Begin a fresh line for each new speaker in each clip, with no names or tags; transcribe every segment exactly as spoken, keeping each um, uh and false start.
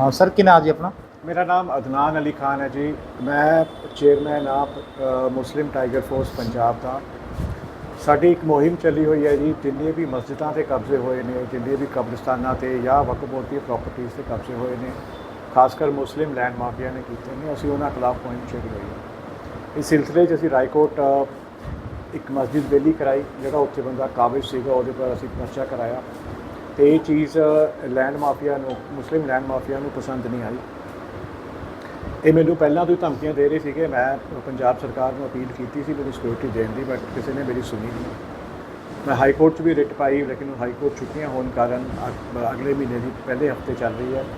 हाँ सर, क्या नाम जी अपना?
मेरा नाम अदनान अली खान है जी। मैं चेयरमैन आप मुस्लिम टाइगर फोर्स पंजाब का। साडी एक मुहिम चली हुई है जी, जिन्हें भी मस्जिदां ते कब्जे हुए ने, जिन्हें भी कब्रिस्तानां ते या वक्फ बोर्ड दी प्रॉपर्टीज़ ते कब्जे हुए ने, खासकर मुस्लिम लैंड माफिया ने कीते ने, असीं उन्हां खिलाफ मुहिम छेड़ी हुई है। इस सिलसिले 'च असीं रायकोट एक मस्जिद बेली कराई, जिहड़ा उत्थे बंदा काबिज सीगा, उहदे पर असीं पर्चा कराया। तो ये चीज़ लैंड माफिया नूं, मुस्लिम लैंड माफिया नूं पसंद नहीं आई। ये मैनू पहलों तो ही धमकियां दे रहे थे कि मैं पंजाब सरकार को अपील की थी मेरी सिक्योरिटी देने की, बट किसी ने मेरी सुनी नहीं। मैं हाई कोर्ट भी रिट पाई, लेकिन हाई कोर्ट छुट्टियां होने कारण अगले महीने की पहले हफ्ते चल रही है।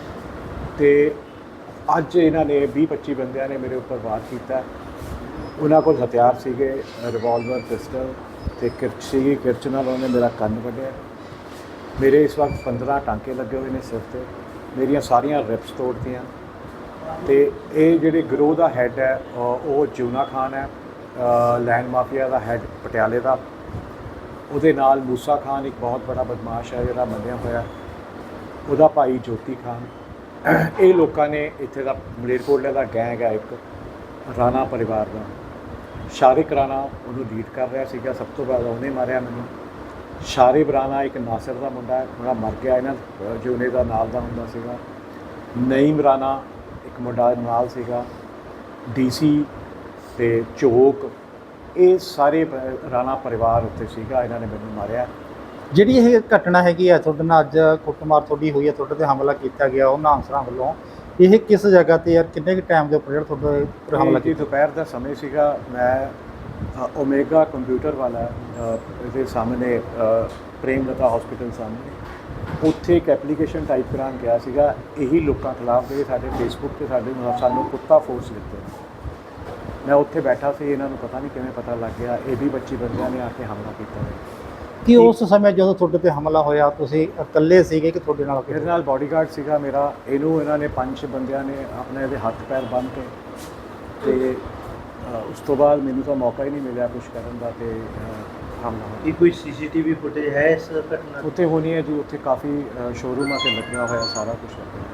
तो अज इन्होंने बीस पच्ची बंदियां ने मेरे उपर वार किया। उन्होंने को हथियार सीगे, रिवॉल्वर, पिस्टल तो किरच सी, किरच नाल उन्होंने मेरा कन्न वड्ढिया। मेरे इस वक्त पंद्रह टांके लगे हुए हैं सिर से, मेरिया सारिया रिप्स तोड़तियाँ। तो ये जिहड़े गिरोह का हैड है वो जूना खान है, लैंड माफिया का हैड पटियाले का। उहदे नाल मूसा खान एक बहुत बड़ा बदमाश है जिहड़ा मन्निया होया, उहदा भाई ज्योति खान। ये लोगों ने इत्थे दा मलेरकोटले का गैंग है एक राणा परिवार का। शारिक राणा उन्होंने लीड कर रहा सीगा, सब तो बाद उन्हें मारिया मैनू। शारिब राणा एक नासिर का मुंडा है, थोड़ा मर गया इन्हां जूने का नाल दा हुंदा सीगा। नईम राणा एक मुंडा नाल सीगा। डीसी ते चोक, ये सारे राणा परिवार उत्ते सीगा, इन्होंने मैनू मारिया।
ਜਿਹੜੀ ਇਹ ਘਟਨਾ ਹੈਗੀ ਹੈ ਤੁਹਾਡੇ ਨਾਲ ਅੱਜ ਕੁੱਟਮਾਰ ਤੁਹਾਡੀ ਹੋਈ ਹੈ, ਤੁਹਾਡੇ ਤੇ ਹਮਲਾ ਕੀਤਾ ਗਿਆ ਉਹਨਾਂ ਅਨਸਰਾਂ ਵੱਲੋਂ, ਇਹ ਕਿਸ ਜਗ੍ਹਾ ਤੇ ਯਾਰ ਕਿੰਨੇ ਕੁ ਟਾਈਮ ਦੇ ਉੱਪਰ ਜਿਹੜਾ ਤੁਹਾਡੇ ਉੱਪਰ ਹਮਲਾ
ਜੀ
ਕੀਤਾ?
ਦੁਪਹਿਰ ਦਾ ਸਮੇਂ ਸੀਗਾ। ਮੈਂ ਓਮੇਗਾ ਕੰਪਿਊਟਰ ਵਾਲਾ ਇਹਦੇ ਸਾਹਮਣੇ ਪ੍ਰੇਮਲਤਾ ਹਸਪੀਟਲ ਸਾਹਮਣੇ ਉੱਥੇ ਇੱਕ ਐਪਲੀਕੇਸ਼ਨ ਟਾਈਪ ਕਰਾਉਣ ਗਿਆ ਸੀਗਾ, ਇਹੀ ਲੋਕਾਂ ਖਿਲਾਫ ਜਿਹੜੇ ਸਾਡੇ ਫੇਸਬੁੱਕ ਤੇ ਸਾਡੇ ਸਾਨੂੰ ਕੁੱਤਾ ਫੋਰਸ ਦਿੱਤੇ। ਮੈਂ ਉੱਥੇ ਬੈਠਾ ਸੀ, ਇਹਨਾਂ ਨੂੰ ਪਤਾ ਨਹੀਂ ਕਿਵੇਂ ਪਤਾ ਲੱਗ ਗਿਆ, ਇਹ ਵੀ ਪੱਚੀ ਬੰਦਿਆਂ ਨੇ ਆ ਕੇ ਹਮਲਾ ਕੀਤਾ।
ਕਿ ਉਸ ਸਮੇਂ ਜਦੋਂ ਤੁਹਾਡੇ ਤੇ ਹਮਲਾ ਹੋਇਆ ਤੁਸੀਂ ਇਕੱਲੇ ਸੀਗੇ ਕਿ ਤੁਹਾਡੇ ਨਾਲ
ਮੇਰੇ ਨਾਲ ਬਾਡੀਗਾਰਡ ਸੀਗਾ ਮੇਰਾ। ਇਹਨੂੰ ਇਹਨਾਂ ਨੇ ਪੰਜ ਛੇ ਬੰਦਿਆਂ ਨੇ ਆਪਣੇ ਇਹਦੇ ਹੱਥ ਪੈਰ ਬੰਨ੍ਹ ਕੇ, ਤੇ ਉਸ ਤੋਂ ਬਾਅਦ ਮੈਨੂੰ ਤਾਂ ਮੌਕਾ ਹੀ ਨਹੀਂ ਮਿਲਿਆ ਕੁਛ ਕਰਨ ਦਾ, ਤੇ ਹਮਲਾ ਹੋਇਆ।
ਕੀ ਕੋਈ ਸੀਸੀਟੀਵੀ ਫੁਟੇਜ ਹੈ ਇਸ ਘਟਨਾ ਦੀ?
ਉੱਥੇ ਹੋਣੀ ਹੈ ਜੀ, ਉੱਥੇ ਕਾਫੀ ਸ਼ੋਰੂਮਾਂ 'ਤੇ ਲੱਗਿਆ ਹੋਇਆ, ਸਾਰਾ ਕੁਛ ਲੱਗਿਆ।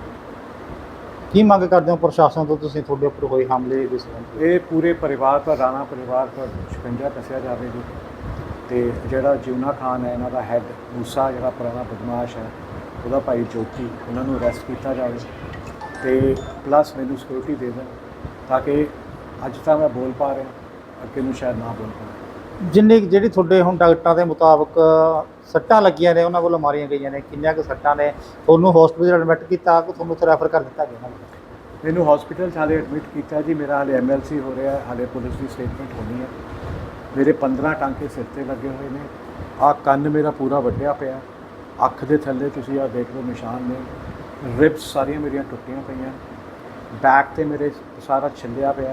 ਕੀ ਮੰਗ ਕਰਦੇ ਹੋ ਪ੍ਰਸ਼ਾਸਨ ਤੋਂ ਤੁਸੀਂ ਤੁਹਾਡੇ ਉੱਪਰ ਹੋਏ ਹਮਲੇ ਦੇ ਸੰਬੰਧ?
ਇਹ ਪੂਰੇ ਪਰਿਵਾਰ ਪਰ, ਰਾਣਾ ਪਰਿਵਾਰ ਪਰ ਸ਼ਿਕੰਜਾ ਕੱਸਿਆ ਜਾਵੇ ਜੀ। ਤੇ ਜਿਹੜਾ ਜੂਨਾ ਖਾਨ ਹੈ ਇਹਨਾਂ ਦਾ ਹੈਡ, ਮੂਸਾ ਜਿਹੜਾ ਪੁਰਾਣਾ ਬਦਮਾਸ਼ ਹੈ, ਉਹਦਾ ਭਾਈ ਜੋਤੀ, ਉਹਨਾਂ ਨੂੰ ਅਰੈਸਟ ਕੀਤਾ ਜਾਵੇ। ਤੇ ਪਲੱਸ ਮੈਨੂੰ ਸਿਕਿਉਰਿਟੀ ਦੇ ਦੇਣ ਤਾਂ ਕਿ ਅੱਜ ਤਾਂ ਮੈਂ ਬੋਲ ਪਾ ਰਿਹਾ, ਅੱਗੇ ਨੂੰ ਸ਼ਾਇਦ ਨਾ ਬੋਲ ਪਾਵਾਂ।
ਜਿੰਨੀ ਜਿਹੜੀ ਤੁਹਾਡੇ ਹੁਣ ਡਾਕਟਰਾਂ ਦੇ ਮੁਤਾਬਕ ਸੱਟਾਂ ਲੱਗੀਆਂ ਨੇ, ਉਹਨਾਂ ਵੱਲੋਂ ਮਾਰੀਆਂ ਗਈਆਂ ਨੇ, ਕਿੰਨੀਆਂ ਕੁ ਸੱਟਾਂ ਨੇ? ਤੁਹਾਨੂੰ ਹਸਪੀਟਲ ਐਡਮਿਟ ਕੀਤਾ ਕਿ ਤੁਹਾਨੂੰ ਉੱਥੇ ਰੈਫਰ ਕਰ ਦਿੱਤਾ ਗਿਆ?
ਮੈਨੂੰ ਹਸਪੀਟਲ 'ਚ ਹਾਲੇ ਐਡਮਿਟ ਕੀਤਾ ਜੀ। ਮੇਰਾ ਹਾਲੇ ਐਮ ਐਲ ਸੀ ਹੋ ਰਿਹਾ, ਹਾਲੇ ਪੁਲਿਸ ਦੀ ਸਟੇਟਮੈਂਟ ਹੋਣੀ ਹੈ। ਮੇਰੇ ਪੰਦਰਾਂ ਟਾਂਕੇ ਸਿਰ 'ਤੇ ਲੱਗੇ ਹੋਏ ਨੇ। ਆਹ ਕੰਨ ਮੇਰਾ ਪੂਰਾ ਵੱਢਿਆ ਪਿਆ, ਅੱਖ ਦੇ ਥੱਲੇ ਤੁਸੀਂ ਆਹ ਦੇਖ ਲਓ ਨਿਸ਼ਾਨ ਨੇ। ਰਿਬਸ ਸਾਰੀਆਂ ਮੇਰੀਆਂ ਟੁੱਟੀਆਂ ਪਈਆਂ, ਬੈਕ 'ਤੇ ਮੇਰੇ ਸਾਰਾ ਛਿੱਲਿਆ ਪਿਆ,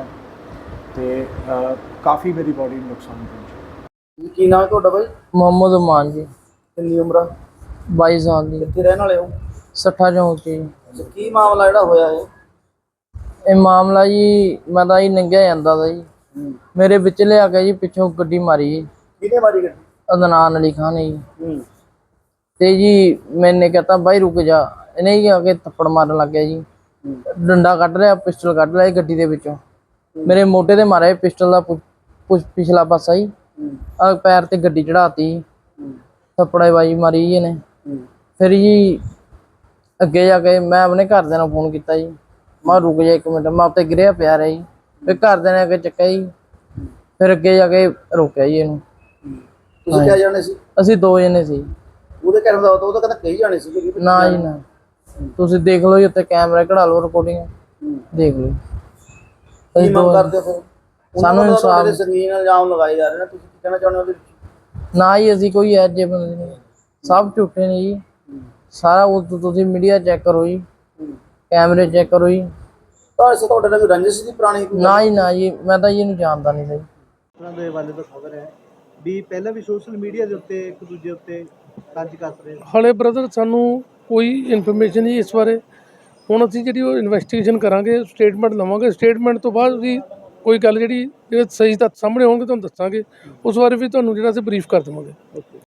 ਤੇ ਕਾਫੀ ਮੇਰੀ ਬਾਡੀ ਨੂੰ ਨੁਕਸਾਨ ਪਹੁੰਚਿਆ।
ਕੀ ਨਾਮ ਹੈ ਤੁਹਾਡਾ ਬਾਈ?
ਮੁਹੰਮਦ ਉਮਾਨ ਜੀ।
ਕਿੰਨੀ ਉਮਰ ਆ?
ਬਾਈ ਸਾਲ ਦੀ।
ਕਿੱਥੇ ਰਹਿਣ ਵਾਲੇ ਹੋ?
ਸੱਠਾ ਚੌਂਕ ਜੀ।
ਅੱਛਾ, ਕੀ ਮਾਮਲਾ ਜਿਹੜਾ ਹੋਇਆ ਇਹ?
ਇਹ ਮਾਮਲਾ ਜੀ, ਮੈਂ ਤਾਂ ਜੀ ਲੰਘਿਆ ਜਾਂਦਾ ਤਾ ਜੀ, ਮੇਰੇ ਵਿੱਚ ਲਿਆ ਕੇ ਜੀ ਪਿੱਛੋਂ ਗੱਡੀ ਮਾਰੀ ਜੀ।
ਕਿਹਨੇ ਮਾਰੀ ਗੱਡੀ?
ਅਦਨਾਨ ਅਲੀ ਖਾਨ ਜੀ।
ਹੂੰ।
ਤੇ ਜੀ ਮੈਨੇ ਕਹਤਾ ਬਾਈ ਰੁਕ ਜਾ, ਇਹਨੇ ਜੀ ਆ ਕੇ ਥੱਪੜ ਮਾਰਨ ਲੱਗ ਗਿਆ ਜੀ। ਡੰਡਾ ਕੱਢ ਲਿਆ, ਪਿਸਟਲ ਕੱਢ ਲਿਆ ਗੱਡੀ ਦੇ ਵਿੱਚੋਂ, ਮੇਰੇ ਮੋਢੇ ਤੇ ਮਾਰਿਆ ਪਿਸਟਲ ਦਾ ਪਿਛਲਾ ਪਾਸਾ ਜੀ। ਆ ਪੈਰ ਤੇ ਗੱਡੀ ਚੜਾਤੀ, ਥੱਪੜੇ ਬਾਜੀ ਮਾਰੀ ਜੀ ਇਹਨੇ। ਫਿਰ ਜੀ ਅੱਗੇ ਜਾ ਕੇ ਮੈਂ ਆਪਣੇ ਘਰਦਿਆਂ ਨੂੰ ਫੋਨ ਕੀਤਾ ਜੀ, ਮੈਂ ਰੁਕ ਜਾ ਇੱਕ ਮਿੰਟ, ਮੈਂ ਉੱਤੇ ਗਿਰਿਆ ਪਿਆ ਰਿਹਾ ਜੀ। ਫਿਰ ਘਰਦਿਆਂ ਨੇ ਅੱਗੇ ਚੱਕਿਆ ਜੀ, ਫਿਰ ਅੱਗੇ ਜਾ ਕੇ ਰੋਕਿਆ ਜੀ ਇਹਨੂੰ।
ਤੁਸੀਂ ਕਿਆ ਜਾਣੇ ਸੀ?
ਅਸੀਂ ਦੋ ਜਣੇ ਸੀ।
ਉਹਦੇ ਕਹਿਣ ਦਾ ਉਹ ਤਾਂ ਕਹਿੰਦਾ ਕਈ ਜਾਣੇ ਸੀ।
ਨਾ ਜੀ ਨਾ, ਤੁਸੀਂ ਦੇਖ ਲਓ ਜੀ, ਉੱਤੇ ਕੈਮਰਾ ਕਢਾ ਲਓ, ਰਿਕਾਰਡਿੰਗ ਦੇਖ ਲਓ।
ਕੀ ਮੰਗ ਕਰਦੇ ਹੋ?
ਸਾਨੂੰ ਇਨਸਾਫ।
ਸੰਗੀਨ ਇਲਜ਼ਾਮ ਲਗਾਏ ਜਾ ਰਹੇ ਨੇ, ਤੁਸੀਂ ਕੀ ਕਹਿਣਾ ਚਾਹੁੰਦੇ ਹੋ ਉਹਦੇ ਵਿੱਚ?
ਨਾ ਜੀ ਅਸੀਂ ਕੋਈ ਇਹੋ ਜਿਹੇ ਬੰਦੇ ਨਹੀਂ, ਸਭ ਝੂਠੇ ਨੇ ਜੀ ਸਾਰਾ। ਉਹ ਤੁਸੀਂ ਮੀਡੀਆ ਚੈੱਕ ਕਰੋ ਜੀ, ਕੈਮਰੇ ਚੈੱਕ ਕਰੋ ਜੀ।
ਤੁਹਾਡੇ ਤੁਹਾਡੇ ਨਾਲ ਕੋਈ ਰੰਜਿਸ਼ ਦੀ ਪੁਰਾਣੀ?
ਨਾ ਜੀ ਨਾ ਜੀ, ਮੈਂ ਤਾਂ ਜੀ ਇਹਨੂੰ ਜਾਣਦਾ ਨਹੀਂ ਸੀ।
ਦੇ ਵਾਲੇ ਦਾ ਖਬਰ ਹੈ ਵੀ ਪਹਿਲਾਂ ਵੀ ਸੋਸ਼ਲ ਮੀਡੀਆ ਦੇ ਉੱਤੇ ਇੱਕ ਦੂਜੇ ਉੱਤੇ ਤੰਜ ਕੱਸ ਰਹੇ।
ਹਾਲੇ ਬ੍ਰਦਰ ਸਾਨੂੰ ਕੋਈ ਇਨਫੋਰਮੇਸ਼ਨ ਨਹੀਂ ਇਸ ਬਾਰੇ। ਹੁਣ ਅਸੀਂ ਜਿਹੜੀ ਉਹ ਇਨਵੈਸਟੀਗੇਸ਼ਨ ਕਰਾਂਗੇ, ਸਟੇਟਮੈਂਟ ਲਵਾਂਗੇ। ਸਟੇਟਮੈਂਟ ਤੋਂ ਬਾਅਦ ਵੀ ਕੋਈ ਗੱਲ ਜਿਹੜੀ ਜਿਹੜੇ ਸਹੀ ਤੱਥ ਸਾਹਮਣੇ ਹੋਣਗੇ ਤੁਹਾਨੂੰ ਦੱਸਾਂਗੇ, ਉਸ ਬਾਰੇ ਵੀ ਤੁਹਾਨੂੰ ਜਿਹੜਾ ਅਸੀਂ ਬਰੀਫ ਕਰ ਦੇਵਾਂਗੇ।